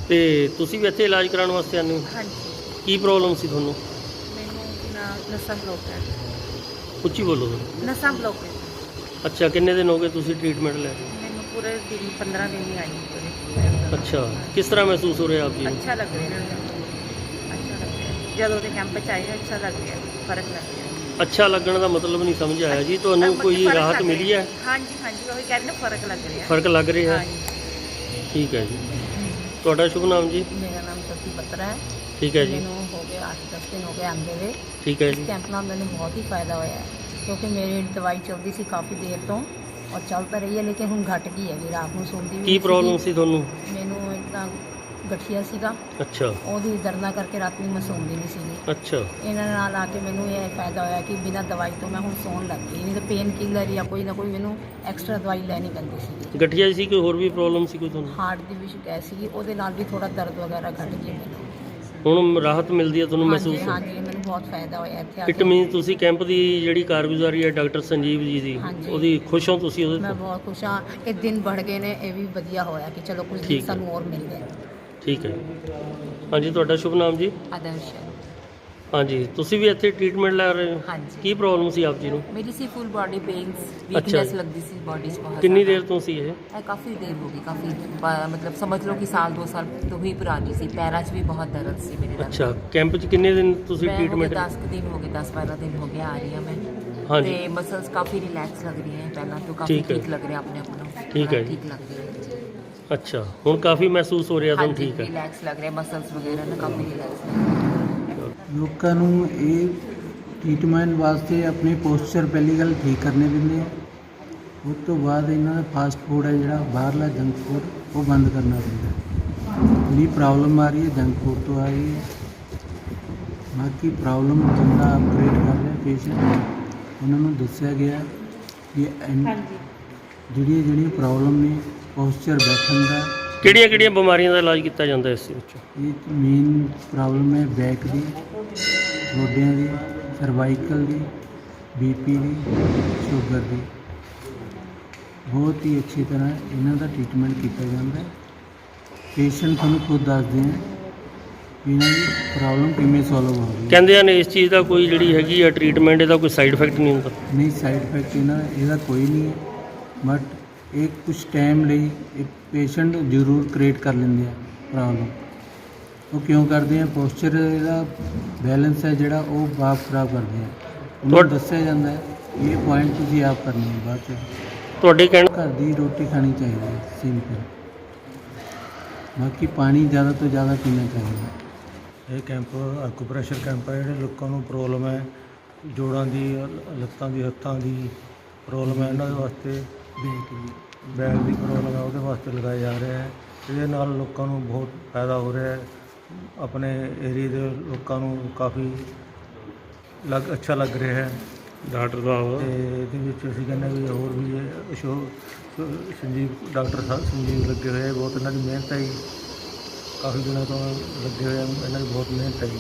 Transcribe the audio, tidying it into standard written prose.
ਤੇ ਤੁਸੀਂ ਵੀ ਇੱਥੇ ਇਲਾਜ ਕਰਾਉਣ ਵਾਸਤੇ ਆਉਂਦੇ ਹੋ? ਹਾਂਜੀ, ਕੀ ਪ੍ਰੋਬਲਮ ਸੀ ਤੁਹਾਨੂੰ? ਮੈਨੂੰ ਨਸਾਂ ਬਲੌਕ ਹੈ। ਉੱਚੀ ਬੋਲੋ ਤੁਸੀਂ। ਨਸਾਂ ਬਲੌਕ ਹੈ। ਅੱਛਾ, ਕਿੰਨੇ ਦਿਨ ਹੋ ਗਏ ਤੁਸੀਂ ਟ੍ਰੀਟਮੈਂਟ ਲੈ ਰਹੇ? ਮੈਨੂੰ ਪੂਰੇ ਦਿਨ 15 ਦਿਨ ਹੀ ਆਈ ਪੂਰੇ। ਅੱਛਾ, ਕਿਸ ਤਰ੍ਹਾਂ ਮਹਿਸੂਸ ਹੋ ਰਿਹਾ ਆਪ ਜੀ ਨੂੰ? ਅੱਛਾ ਲੱਗ ਰਿਹਾ ਹੈ। ਅੱਛਾ ਲੱਗ ਰਿਹਾ ਹੈ। ਜਦੋਂ ਦੇ ਕੈਂਪ 'ਚ ਆਏ ਅੱਛਾ ਲੱਗ ਰਿਹਾ, ਫਰਕ ਲੱਗ ਰਿਹਾ। ਅੱਛਾ ਲੱਗਣ ਦਾ ਮਤਲਬ ਨਹੀਂ ਸਮਝ ਆਇਆ ਜੀ, ਤੁਹਾਨੂੰ ਕੋਈ ਫਰਕ ਰਾਹਤ ਲੱਗ ਮਿਲੀ ਰਿਹਾ। ਹੈ? ਹਾਂਜੀ ਹਾਂਜੀ, ਉਹੀ ਕਹਿੰਦੇ ਫਰਕ ਲੱਗ ਰਿਹਾ। ਫਰਕ ਲੱਗ ਰਿਹਾ ਹੈ? ਹਾਂਜੀ। ਠੀਕ ਹੈ ਜੀ। ਤੁਹਾਡਾ ਸ਼ੁਭ ਨਾਮ ਜੀ? ਮੇਰਾ ਨਾਮ ਸਤੀ ਬੱਤਰਾ ਹੈ। ਠੀਕ ਹੈ ਜੀ। ਮੈਨੂੰ ਹੋ ਗਏ 8-10 ਦਿਨ ਹੋ ਗਏ ਆਉਂਦੇ ਹੋਏ। ਠੀਕ ਹੈ ਇਸ ਜੀ। ਕੈਂਪ ਨਾਲ ਮੈਨੂੰ ਬਹੁਤ ਹੀ ਫਾਇਦਾ ਹੋਇਆ ਹੈ, ਕਿਉਂਕਿ ਮੇਰੀ ਦਵਾਈ ਚੱਲਦੀ ਸੀ ਕਾਫੀ ਦੇਰ ਤੋਂ ਔਰ ਚੱਲ ਤਾਂ ਰਹੀ ਹੈ, ਲੇਕਿਨ ਹੁਣ ਘਟ ਗਈ ਹੈ ਵੀ ਰਾਤ ਨੂੰ ਸੌਂਦੀ ਵੀ ਕੀ ਨਹੀਂ ਪ੍ਰੋਬਲਮ ਸੀਗੀ। ਸੀ ਤੁਹਾਨੂੰ? ਮੈਨੂੰ ਇੱਦਾਂ ਗਠੀਆ ਸੀਗਾ, ਅੱਛਾ ਉਹਦੀ ਦਰਦਾਂ ਕਰਕੇ ਰਾਤ ਨੂੰ ਮੈਂ ਸੌਂਦੀ ਨਹੀਂ ਸੀਗੀ। ਅੱਛਾ। ਇਹਨਾਂ ਨਾਲ ਆ ਕੇ ਮੈਨੂੰ ਇਹ ਫਾਇਦਾ ਹੋਇਆ ਕਿ ਬਿਨਾਂ ਦਵਾਈ ਤੋਂ ਮੈਂ ਹੁਣ ਸੌਣ ਲੱਗ ਗਈ, ਨਹੀਂ ਤਾਂ ਪੇਨ ਕਿਲਰ ਜਾਂ ਕੋਈ ਨਾ ਕੋਈ ਮੈਨੂੰ ਐਕਸਟਰਾ ਦਵਾਈ ਲੈਣੀ ਪੈਂਦੀ ਸੀਗੀ। ਗਠੀਆ ਸੀ, ਕੋਈ ਹੋਰ ਵੀ ਪ੍ਰੋਬਲਮ ਸੀ ਕੋਈ ਤੁਹਾਨੂੰ? ਹਾਰਟ ਦੀ ਵੀ ਸ਼ਿਕਾਇਤ ਸੀਗੀ, ਉਹਦੇ ਨਾਲ ਵੀ ਥੋੜਾ ਦਰਦ ਵਗੈਰਾ ਘਟ ਗਿਆ ਮੈਨੂੰ। ਹੁਣ ਰਾਹਤ ਮਿਲਦੀ ਹੈ ਤੁਹਾਨੂੰ ਹਾਂਜੀ ਮਹਿਸੂਸ? ਹਾਂਜੀ, ਮੈਨੂੰ ਬਹੁਤ ਫਾਇਦਾ ਹੋਇਆ ਇੱਥੇ ਆ ਇਟ ਕੇ। ਮੀਨ ਤੁਸੀਂ ਕੈਂਪ ਦੀ ਜਿਹੜੀ ਕਾਰਗੁਜ਼ਾਰੀ ਹੈ ਡਾਕਟਰ ਸੰਜੀਵ ਜੀ ਦੀ, ਹਾਂਜੀ। ਉਹਦੀ ਖੁਸ਼ ਹੋ ਤੁਸੀਂ ਉਹਦੇ ਮੈਂ ਤੋਂ? ਬਹੁਤ ਖੁਸ਼ ਹਾਂ। ਇਹ ਦਿਨ बढ़ ਗਏ ਨੇ, ਇਹ ਵੀ ਵਧੀਆ ਹੋਇਆ ਕਿ ਚਲੋ ਕੁਝ ਠੀਕ ਦਿਨ ਹੈ। ਸਾਨੂੰ ਹੋਰ ਮਿਲ ਗਏ। ਠੀਕ ਹੈ। ਹਾਂਜੀ, ਤੁਹਾਡਾ ਸ਼ੁਭ ਨਾਮ ਜੀ? ਆਦਰਸ਼। ਹਾਂਜੀ, ਤੁਸੀਂ ਵੀ ਇੱਥੇ ਟ੍ਰੀਟਮੈਂਟ ਲੈ ਰਹੇ ਹੋ? ਹਾਂਜੀ। ਕੀ ਪ੍ਰੋਬਲਮ ਸੀ ਆਪ ਜੀ ਨੂੰ? ਮੇਰੀ ਸੀ ਫੁੱਲ ਬਾਡੀ ਪੇਨਸ, ਅੱਛਾ। ਵੀਕਨੈਸ ਲੱਗਦੀ ਸੀ ਬਾਡੀ 'ਚ ਬਹੁਤ। ਕਿੰਨੀ ਦੇਰ ਤੋਂ ਸੀ ਇਹ? ਇਹ ਕਾਫੀ ਦੇਰ ਹੋ ਗਈ, ਕਾਫੀ ਮਤਲਬ ਸਮਝ ਲਓ ਕਿ ਸਾਲ 2 ਸਾਲ ਤੋਂ ਹੀ ਪੁਰਾਣੀ ਸੀ। ਪੈਰਾਂ 'ਚ ਵੀ ਬਹੁਤ ਦਰਦ ਸੀ ਮੇਰੇ ਦਰਦ। ਅੱਛਾ, ਕੈਂਪ 'ਚ ਕਿੰਨੇ ਦਿਨ ਤੁਸੀਂ ਮੈਂ ਹੋ ਗਏ ਟ੍ਰੀਟਮੈਂਟ? 10 ਦਿਨ ਹੋ ਗਏ, 10-12 ਦਿਨ ਹੋ ਗਏ ਆ ਰਹੀ ਹਾਂ ਮੈਂ। ਹਾਂਜੀ। ਤੇ ਮਸਲਸ ਕਾਫੀ ਰਿਲੈਕਸ ਲੱਗ ਰਹੀ ਹੈ ਪਹਿਲਾਂ ਤੋਂ, ਕਾਫੀ ਠੀਕ ਹੈ। ਠੀਕ ਲੱਗ ਰਿਹਾ ਆਪਣੇ ਆਪ ਨੂੰ। ਠੀਕ ਹੈ ਜੀ। ਠੀਕ ਲੱਗ ਰਿਹਾ ਹੈ। ਅੱਛਾ, ਹੁਣ ਕਾਫੀ ਮਹਿਸੂਸ ਹੋ ਰਿਹਾ ਤੁਹਾਨੂੰ? ਹਾਂਜੀ, ਠੀਕ ਹੈ। ਰਿਲੈਕਸ ਲੱਗ ਰਿਹਾ, ਮਸਲਸ ਵਗੈਰਾ ਨਾ ਕਾਫੀ ਰਿਲੈਕਸ ਲੱਗ ਰਿਹਾ। ਲੋਕਾਂ ਨੂੰ ਇਹ ਟ੍ਰੀਟਮੈਂਟ ਵਾਸਤੇ ਆਪਣੇ ਪੋਸਚਰ ਪਹਿਲੀ ਗੱਲ ਠੀਕ ਕਰਨੇ ਪੈਂਦੇ ਆ। ਉਸ ਤੋਂ ਬਾਅਦ ਇਹਨਾਂ ਦਾ ਫਾਸਟ ਫੂਡ ਹੈ ਜਿਹੜਾ ਬਾਹਰਲਾ ਜੰਕ ਫੂਡ, ਉਹ ਬੰਦ ਕਰਨਾ ਪੈਂਦਾ। ਜਿਹੜੀ ਪ੍ਰੋਬਲਮ ਆ ਰਹੀ ਹੈ ਜੰਕ ਫੂਡ ਤੋਂ ਆ ਰਹੀ ਹੈ। ਬਾਕੀ ਪ੍ਰੋਬਲਮ ਬੰਦਾ ਅਪਗ੍ਰੇਡ ਕਰ ਰਿਹਾ ਪੇਸ਼ੈਂਟ, ਉਹਨਾਂ ਨੂੰ ਦੱਸਿਆ ਗਿਆ ਕਿ ਜਿਹੜੀਆਂ ਪ੍ਰੋਬਲਮ ਨੇ ਪੋਸਚਰ ਬੈਠਣ ਦਾ। ਕਿਹੜੀਆਂ ਬਿਮਾਰੀਆਂ ਦਾ ਇਲਾਜ ਕੀਤਾ ਜਾਂਦਾ ਇਸ ਵਿੱਚ? ਇਹ ਮੇਨ ਪ੍ਰੋਬਲਮ ਹੈ ਬੈਕ ਦੀ, ਗੋਡਿਆਂ ਦੀ, ਸਰਵਾਈਕਲ ਦੀ, ਬੀਪੀ ਦੀ, ਸ਼ੂਗਰ ਦੀ। ਬਹੁਤ ਹੀ ਅੱਛੀ ਤਰ੍ਹਾਂ ਇਹਨਾਂ ਦਾ ਟ੍ਰੀਟਮੈਂਟ ਕੀਤਾ ਜਾਂਦਾ। ਪੇਸ਼ੈਂਟ ਤੁਹਾਨੂੰ ਖੁਦ ਦੱਸਦੇ ਆ ਵੀ ਇਹਨਾਂ ਦੀ ਪ੍ਰੋਬਲਮ ਕਿਵੇਂ ਸੋਲਵ ਹੋ ਰਹੀ ਹੈ। ਕਹਿੰਦੇ ਹਨ ਇਸ ਚੀਜ਼ ਦਾ ਕੋਈ ਜਿਹੜੀ ਹੈਗੀ ਆ ਟ੍ਰੀਟਮੈਂਟ, ਇਹਦਾ ਕੋਈ ਸਾਈਡ ਇਫੈਕਟ ਨਹੀਂ ਹੁੰਦਾ? ਨਹੀਂ, ਸਾਈਡ ਇਫੈਕਟ ਇਹਦਾ ਕੋਈ ਨਹੀਂ ਹੈ, ਬਟ ਇਹ ਕੁਝ ਟਾਈਮ ਲਈ ਇਹ ਪੇਸ਼ੈਂਟ ਜ਼ਰੂਰ ਕ੍ਰੀਏਟ ਕਰ ਲੈਂਦੇ ਆ ਪ੍ਰੋਬਲਮ। ਉਹ ਕਿਉਂ ਕਰਦੇ ਆ? ਪੋਸਚਰ ਇਹਦਾ ਬੈਲੈਂਸ ਹੈ ਜਿਹੜਾ ਉਹ ਬਾਪ ਖਰਾਬ ਕਰਦੇ ਆ। ਉਹਨੂੰ ਦੱਸਿਆ ਜਾਂਦਾ ਹੈ ਇਹ ਪੁਆਇੰਟ ਤੁਸੀਂ ਆਪ ਕਰਨੀ ਹੈ ਬਾਅਦ 'ਚ। ਤੁਹਾਡੇ ਕਹਿਣ ਘਰ ਦੀ ਰੋਟੀ ਖਾਣੀ ਚਾਹੀਦੀ ਹੈ ਸਿੰਪਲ। ਬਾਕੀ ਪਾਣੀ ਜ਼ਿਆਦਾ ਤੋਂ ਜ਼ਿਆਦਾ ਪੀਣਾ ਚਾਹੀਦਾ। ਇਹ ਕੈਂਪ ਐਕੂਪ੍ਰੈਸ਼ਰ ਕੈਂਪ ਹੈ। ਜਿਹੜੇ ਲੋਕਾਂ ਨੂੰ ਪ੍ਰੋਬਲਮ ਹੈ ਜੋੜਾਂ ਦੀ, ਲੱਤਾਂ ਦੀ, ਹੱਥਾਂ ਦੀ ਪ੍ਰੋਬਲਮ ਹੈ, ਇਹਨਾਂ ਦੇ ਵਾਸਤੇ, ਬੈਕ ਦੀ ਪ੍ਰੋਬਲਮ ਹੈ, ਉਹਦੇ ਵਾਸਤੇ ਲਗਾਇਆ ਜਾ ਰਿਹਾ ਹੈ। ਇਹਦੇ ਨਾਲ ਲੋਕਾਂ ਨੂੰ ਬਹੁਤ ਫਾਇਦਾ ਹੋ ਰਿਹਾ ਹੈ। ਆਪਣੇ ਏਰੀਏ ਦੇ ਲੋਕਾਂ ਨੂੰ ਕਾਫੀ ਅੱਛਾ ਲੱਗ ਰਿਹਾ ਹੈ ਡਾਕਟਰ ਸਾਹਿਬ। ਅਤੇ ਇਹਦੇ ਵਿੱਚ ਅਸੀਂ ਕਹਿੰਦੇ ਵੀ ਹੋਰ ਵੀ ਡਾਕਟਰ ਸਾਹਿਬ ਸੰਜੀਵ ਲੱਗੇ ਹੋਏ ਆ। ਬਹੁਤ ਇਹਨਾਂ ਦੀ ਮਿਹਨਤ ਹੈ ਜੀ, ਕਾਫੀ ਦਿਨਾਂ ਤੋਂ ਲੱਗੇ ਹੋਏ ਆ, ਇਹਨਾਂ ਦੀ ਬਹੁਤ ਮਿਹਨਤ ਹੈ ਜੀ।